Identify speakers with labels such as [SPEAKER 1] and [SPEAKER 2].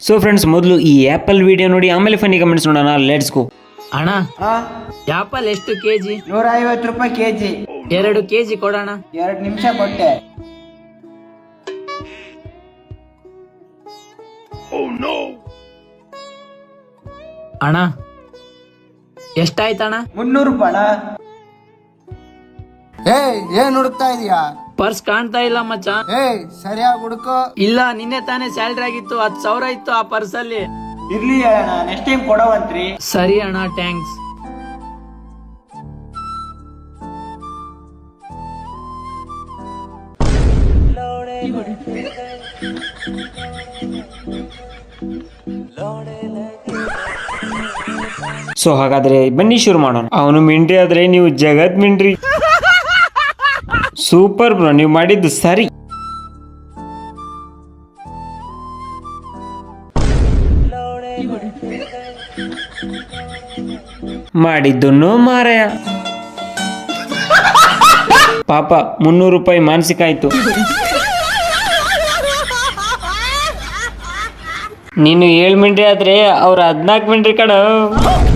[SPEAKER 1] So friends, ಮೊದಲು ಈ apple video ನೋಡಿ ಆಮೇಲೆ ಫನ್ನಿ ಕಮೆಂಟ್ಸ್ ನೋಡೋಣ. Let's go.
[SPEAKER 2] ಅಣ್ಣ ಆಪಲ್ ಎಷ್ಟು ಕೆಜಿ?
[SPEAKER 3] 150 ರೂಪಾಯಿ ಕೆಜಿ.
[SPEAKER 2] 2 ಕೆಜಿ ಕೊಡೋಣ.
[SPEAKER 3] 2 ನಿಮಿಷ ಕೊಟ್ಟೆ.
[SPEAKER 2] ಅಣ್ಣ ಎಷ್ಟಾಯ್ತಣ್ಣ?
[SPEAKER 3] 300 ರೂಪಾಯಿ.
[SPEAKER 4] ಏನ್ ಹುಡುಕ್ತಾ ಇದೀಯಾ?
[SPEAKER 2] ಪರ್ಸ್ ಕಾಣ್ತಾ ಇಲ್ಲ ಮಚ್ಚ.
[SPEAKER 4] ಸರಿಯಾಗಿ ಹುಡುಕೋ.
[SPEAKER 2] ಇಲ್ಲ, ನಿನ್ನೆ ತಾನೇ ಸ್ಯಾಲ್ರಿ ಆಗಿತ್ತು, 10,000 ಇತ್ತು ಆ ಪರ್ಸ್ ಅಲ್ಲಿ.
[SPEAKER 3] ಇರ್ಲಿ ಅಣ್ಣ, ನೆಕ್ಸ್ಟ್ ಟೈಮ್ ಕೊಡವಂತ್ರಿ.
[SPEAKER 2] ಸರಿ ಅಣ್ಣ, ಥ್ಯಾಂಕ್ಸ್.
[SPEAKER 1] ಸೊ ಹಾಗಾದ್ರೆ ಬನ್ನಿ ಶುರು ಮಾಡೋಣ. ಅವನು ಮಿಂಟ್ರಿ ಆದ್ರೆ ನೀವು ಜಗತ್ ಮಿಂಟ್ರಿ. ಸೂಪರ್ ಬ್ರೋ, ನೀವು ಮಾಡಿದ್ದು ಸರಿ. ಮಾಡಿದ್ದು ಮಾರಾಯ. ಪಾಪ 300 ರೂಪಾಯಿ ಮಾನಸಿಕ ಆಯ್ತು. ನೀನು 7 ಮಿಂಟ್ರಿ ಆದ್ರೆ ಅವ್ರ 14 ಮಿಂಟ್ರಿ ಕಣ.